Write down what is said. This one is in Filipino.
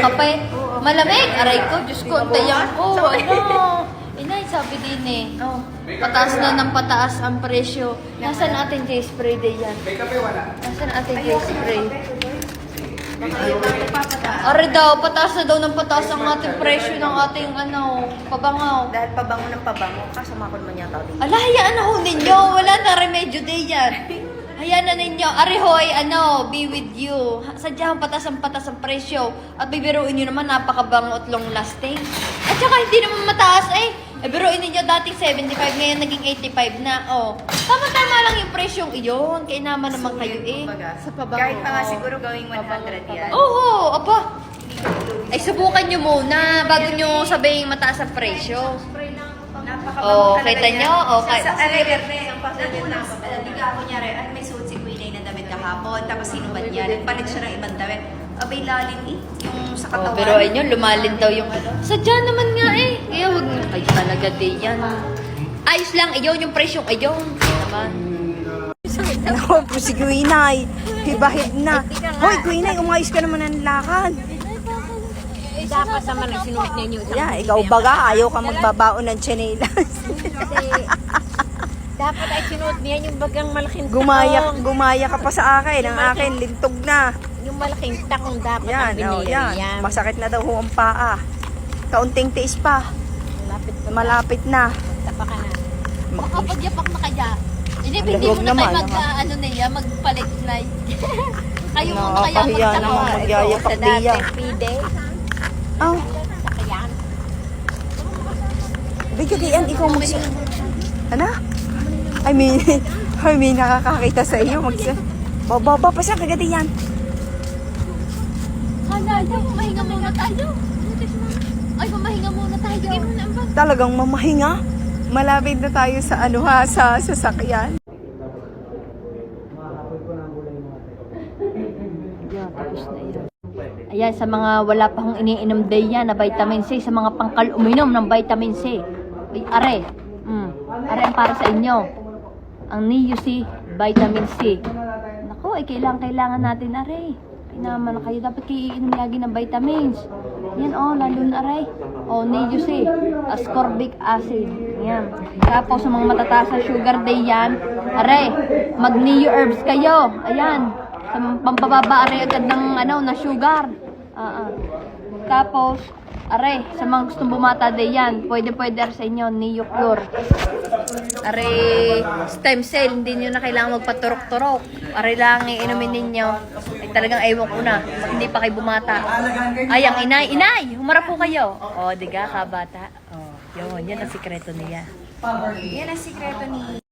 kape. Malamig. Aray ko, Diyos ko, antayan ko. Ano? Inay, sabi din eh. Oh, pataas na ng pataas ang presyo. Nasaan ating J-spray din yan? May kape wala? Nasaan ating J-spray? Aray daw, pataas na daw ng pataas ang ating presyo ng ating pabangaw. Dahil pabango ng pabango, kasamakon man yata din. Ala, hayaan na ho ninyo. Wala na remedyo din yan. Hayaan na ninyo. Arihoy, be with you. Sadyang patas ang presyo. At bibiruin nyo naman, napakabango at long lasting. At saka hindi naman mataas eh. Biruin ninyo dating 75, ngayon naging 85 na. Oh. Tama-tama lang yung presyong iyon. Kaya naman kayo eh. Sa pabango. Kahit pa nga siguro gawing 100 yan. Oo, apa. Ay, subukan nyo muna bago nyo sabihin mataas ang presyo. Napakabango talaga kita yan. nyo? Okay. Sa ang pasalit na hindi ka, kunyari, at may suot si Queen na damit kahapon, tapos sinubad niya, nagpalit siya ng ibang damit. Abay, lalim eh. Yung sa katawan. Pero ayun, lumalin daw yung sadya naman nga eh. Kaya wag na kayo talaga din yan. Ayos lang, iyon yung presyong iyon. Naman. Ako po si Guinay. Hibahid na. Hoy, Guinay, umayos ka naman ng lakad. Dapat naman ang sinuot ninyo. Yeah, ikaw baga, ayaw ka magbabaon ng tsinelas. Dapat ay sinuot niya yung bagang malaking takong. Gumaya ka pa sa akin. Ang akin, lintog na. Yung malaking takong dapat Yan, ang binili. yan. Masakit na daw ho ang paa. Kaunting tiis pa. Malapit na. Tapa ka na. Makapagyapak na kaya. Hindi, Ang hindi mo lagog na tayo naman, niya, magpalit-night. Kayo mo kaya Nakakahiya naman, magyayapak Sa dati, diya. pide. Oh, Sakayan. bigyan ikaw Ano? I mean, nakakakita sa iyo. Baba pa siya, kagadi yan. Hala, mahinga muna tayo. Ay, mamahinga muna tayo. Sige muna ang bag. Talagang mamahinga. Malapit na tayo sa sa sasakyan. Ayan, sa mga wala pa hong iniinom day yan na vitamin C, sa mga pangkal uminom ng vitamin C. Ay, are. Are ang para sa inyo. Ang Neo C, vitamin C. Naku, ay kailangan natin, are. Naman na kayo, dapat kayo iinom lagi ng vitamins. Yan, lalo na, are. Neo C, ascorbic acid. Yan. Tapos, sa mga matataas na sugar day yan, are, mag-Neo herbs kayo. Ayan. Sa pampababa, are, agad ng, na sugar. Tapos, are, sa mga gustong bumata day yan, pwede sa inyo, Neo Pure. Are, stem cell, hindi nyo na kailangan magpaturok-turok. Are lang, iinumin ninyo. Ay, talagang ewan ko na, hindi pa kayo bumata. Ay, ang inay, humarap po kayo. Diga, kabata. Yan ang sikreto niya. Yan ang sikreto ni